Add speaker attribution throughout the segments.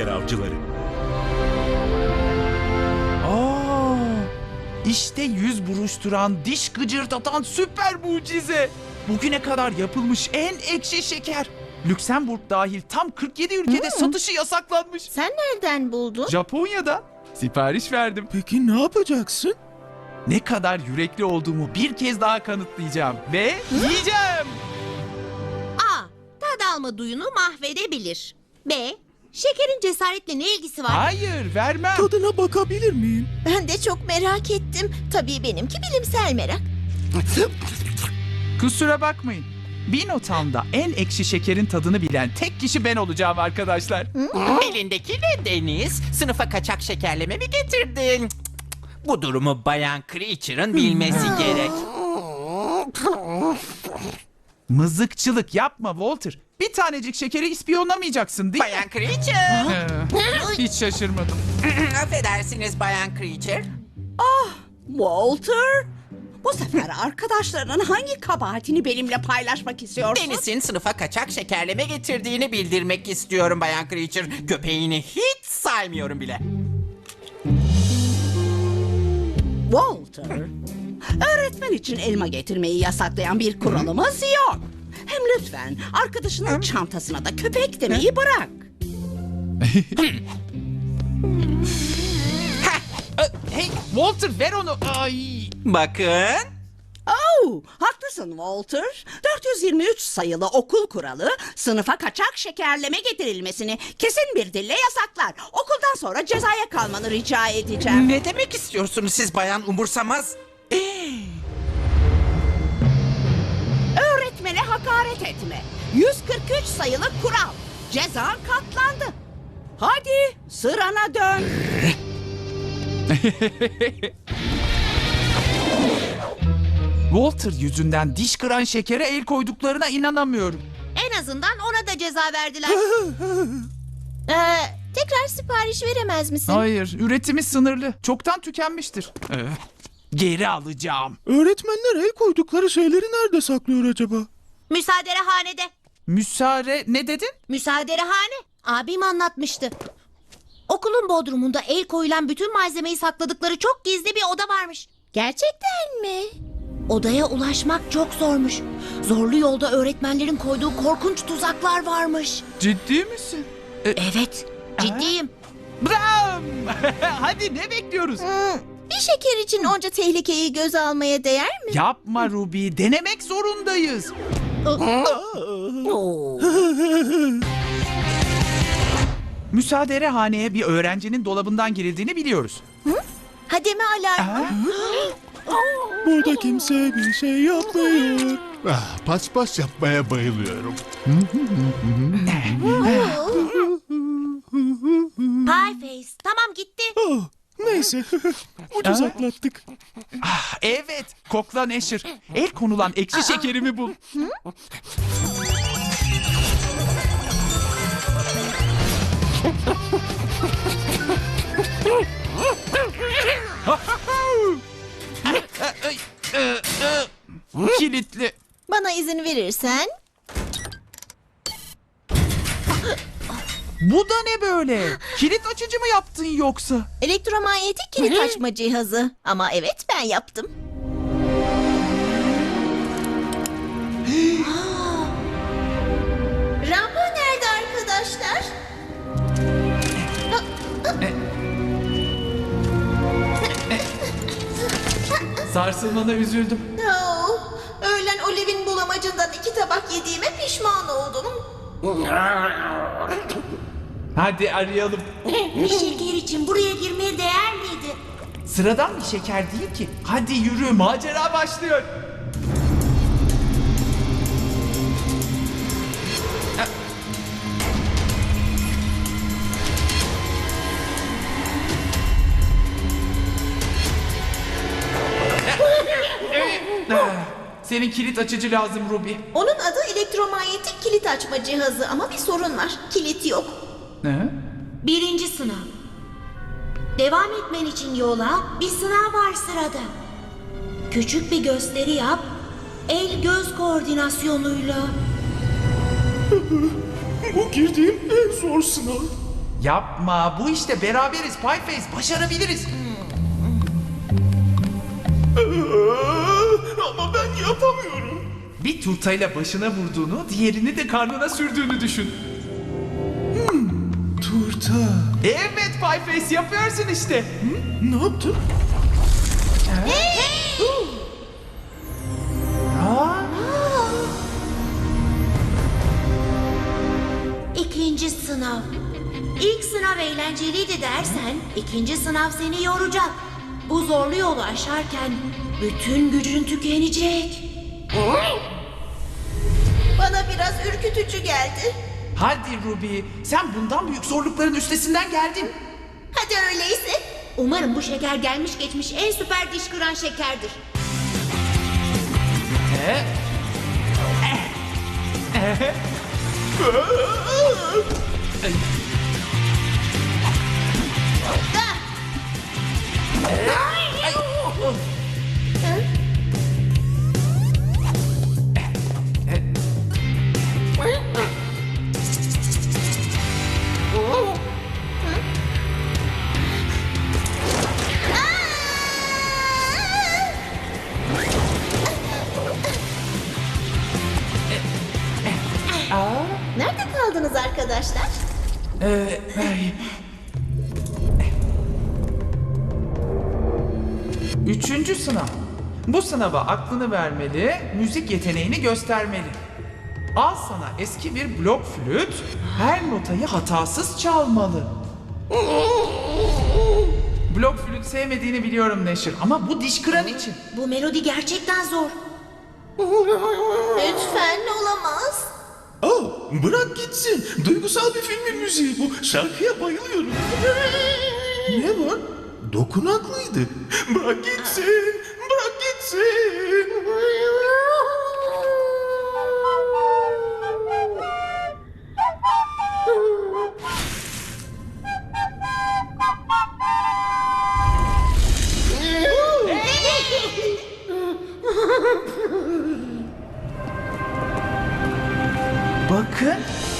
Speaker 1: şeker avcıları.
Speaker 2: Aa, işte yüz buruşturan, diş gıcırdatan süper mucize. Bugüne kadar yapılmış en ekşi şeker. Lüksemburg dahil tam 47 ülkede satışı yasaklanmış.
Speaker 3: Sen nereden buldun?
Speaker 2: Japonya'da sipariş verdim.
Speaker 1: Peki ne yapacaksın?
Speaker 2: Ne kadar yürekli olduğumu bir kez daha kanıtlayacağım ve yiyeceğim.
Speaker 3: A. Tad alma duyunu mahvedebilir. B. Şekerin cesaretle ne ilgisi var?
Speaker 2: Hayır, vermem.
Speaker 1: Tadına bakabilir miyim?
Speaker 3: Ben de çok merak ettim. Tabii benimki bilimsel merak.
Speaker 2: Kusura bakmayın. Binotown'da en ekşi şekerin tadını bilen tek kişi ben olacağım arkadaşlar.
Speaker 4: Elindeki ne Deniz? Sınıfa kaçak şekerleme mi getirdin? Bu durumu Bayan Creature'ın bilmesi gerek.
Speaker 2: Mızıkçılık yapma Walter. Bir tanecik şekeri ispiyonlamayacaksın değil mi?
Speaker 4: Bayan Creature.
Speaker 2: Hiç şaşırmadım.
Speaker 4: Affedersiniz Bayan Creature.
Speaker 5: Walter, bu sefer arkadaşlarının hangi kabahatini benimle paylaşmak istiyorsun?
Speaker 4: Deniz'in sınıfa kaçak şekerleme getirdiğini bildirmek istiyorum Bayan Creature. Köpeğini hiç saymıyorum bile.
Speaker 5: Walter, öğretmen için elma getirmeyi yasaklayan bir kuralımız yok. Hem lütfen arkadaşının çantasına da köpek demeyi bırak.
Speaker 2: Hey Walter ver onu. Ay.
Speaker 4: Bakın.
Speaker 5: Oh, haklısın Walter. 423 sayılı okul kuralı sınıfa kaçak şekerleme getirilmesini kesin bir dille yasaklar. Okuldan sonra cezaya kalmanı rica edeceğim.
Speaker 4: Ne demek istiyorsunuz siz Bayan Umursamaz?
Speaker 5: Öğretmene hakaret etme. 143 sayılı kural. Ceza katlandı. Hadi sırana dön.
Speaker 2: Walter yüzünden diş kıran şekere el koyduklarına inanamıyorum.
Speaker 3: En azından ona da ceza verdiler. Tekrar sipariş veremez misin?
Speaker 2: Hayır, üretimi sınırlı. Çoktan tükenmiştir. Geri alacağım.
Speaker 1: Öğretmenler el koydukları şeyleri nerede saklıyor acaba?
Speaker 3: Müsaaderehanede.
Speaker 2: Müsaade ne dedin?
Speaker 3: Müsaaderehane. Abim anlatmıştı. Okulun bodrumunda el koyulan bütün malzemeyi sakladıkları çok gizli bir oda varmış. Gerçekten mi? Odaya ulaşmak çok zormuş. Zorlu yolda öğretmenlerin koyduğu korkunç tuzaklar varmış.
Speaker 2: Ciddi misin?
Speaker 3: Evet, ciddiyim.
Speaker 2: Bram! Hadi ne bekliyoruz?
Speaker 3: Bir şeker için onca tehlikeyi göze almaya değer mi?
Speaker 2: Yapma Ruby, denemek zorundayız. Müsaaderehaneye bir öğrencinin dolabından girildiğini biliyoruz.
Speaker 3: Hademe alarmı.
Speaker 1: Burada kimse bir şey yapmıyor. Paspas yapmaya bayılıyorum.
Speaker 3: Pieface, tamam gitti.
Speaker 1: Ah, neyse, ucuz atlattık.
Speaker 2: Evet, kokla Neşir. El konulan ekşi şekerimi bul. Kilitli.
Speaker 3: Bana izin verirsen.
Speaker 2: Bu da ne böyle? Kilit açıcı mı yaptın yoksa?
Speaker 3: Elektromanyetik kilit açma cihazı. Ama evet ben yaptım. Rambo nerede arkadaşlar?
Speaker 2: Sarsılmana üzüldüm.
Speaker 3: Öğlen Oliv'in bulamacından 2 tabak yediğime pişman oldum.
Speaker 2: Hadi arayalım.
Speaker 3: Bir şeker için buraya girmeye değer miydi?
Speaker 2: Sıradan bir şeker değil ki. Hadi yürü, macera başlıyor. Senin kilit açıcı lazım Ruby.
Speaker 3: Onun adı elektromanyetik kilit açma cihazı ama bir sorun var. Kilit yok.
Speaker 2: Ne?
Speaker 3: 1. sınav. Devam etmen için yola bir sınav var sırada. Küçük bir gösteri yap. El-göz koordinasyonuyla.
Speaker 1: Bu girdiğim en zor sınav.
Speaker 2: Yapma, bu işte beraberiz Pieface, başarabiliriz.
Speaker 1: Ama ben yapamıyorum.
Speaker 2: Bir turtayla başına vurduğunu, diğerini de karnına sürdüğünü düşün.
Speaker 1: Turta.
Speaker 2: Evet Pieface, yapıyorsun işte.
Speaker 1: Ne yaptın?
Speaker 3: İkinci sınav. İlk sınav eğlenceliydi dersen, ikinci sınav seni yoracak. Bu zorlu yolu aşarken bütün gücün tükenecek.
Speaker 6: Bana biraz ürkütücü geldi.
Speaker 2: Hadi Ruby, sen bundan büyük zorlukların üstesinden geldin.
Speaker 6: Hadi öyleyse.
Speaker 3: Umarım bu şeker gelmiş geçmiş en süper diş kıran şekerdir.
Speaker 6: Nerede kaldınız arkadaşlar?
Speaker 2: Üçüncü sınav. Bu sınava aklını vermeli, müzik yeteneğini göstermeli. Al sana eski bir blok flüt, her notayı hatasız çalmalı. Blok flüt sevmediğini biliyorum Neşir ama bu diş kıran için.
Speaker 3: Bu melodi gerçekten zor.
Speaker 6: Lütfen olamaz.
Speaker 1: Bırak gitsin. Duygusal bir filmin müziği bu. Şarkıya bayılıyorum. Ne var? Dokunaklıydı. Bırak gitsin. Bırak gitsin.
Speaker 2: Bakın.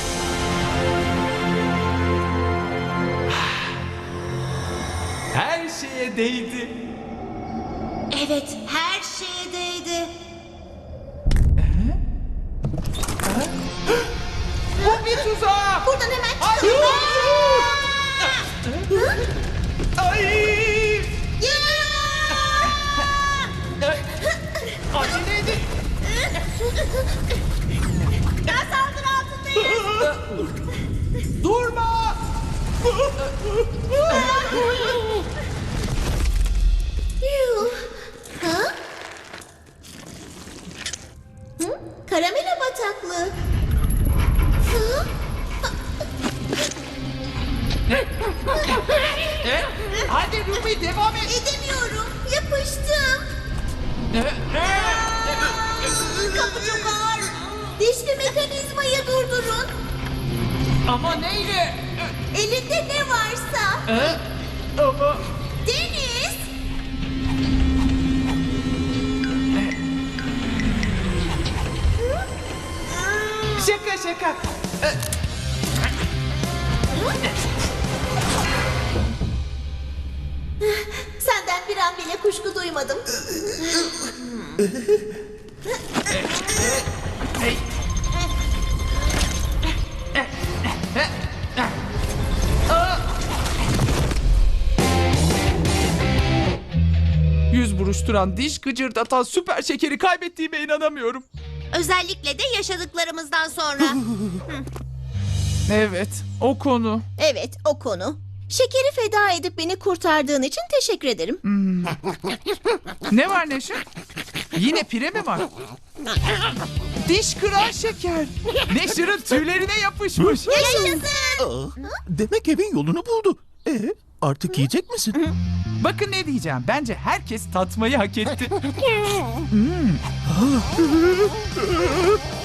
Speaker 2: Her şeye değdi.
Speaker 3: Evet, her şeye değdi.
Speaker 2: Bu bir tuzak.
Speaker 6: Buradan hemen
Speaker 2: Hayır. Ay. Acele edin.
Speaker 6: Ben saldırı altındayım.
Speaker 2: Durma.
Speaker 6: Yuh. Ha? Hı? Karamela bataklığı. Hı?
Speaker 2: Hadi Ruby devam et.
Speaker 6: Edemiyorum. Yapıştım. Kapı çok ağır. Dişli mekanizmayı durdurun.
Speaker 2: Ama neyle?
Speaker 6: Elinde ne varsa.
Speaker 2: Ama...
Speaker 6: Deniz.
Speaker 2: Şaka şaka.
Speaker 6: Senden bir an bile kuşku duymadım.
Speaker 2: Yüz buruşturan, diş gıcırdatan süper şekeri kaybettiğime inanamıyorum.
Speaker 3: Özellikle de yaşadıklarımızdan sonra.
Speaker 2: Evet, o konu.
Speaker 6: Evet, o konu. Şekeri feda edip beni kurtardığın için teşekkür ederim.
Speaker 2: Ne var Neşe? Yine pire mi var? Diş kıran şeker. Neşir'in tüylerine yapışmış.
Speaker 1: Demek evin yolunu buldu. Artık yiyecek misin?
Speaker 2: Bakın ne diyeceğim. Bence herkes tatmayı hak etti.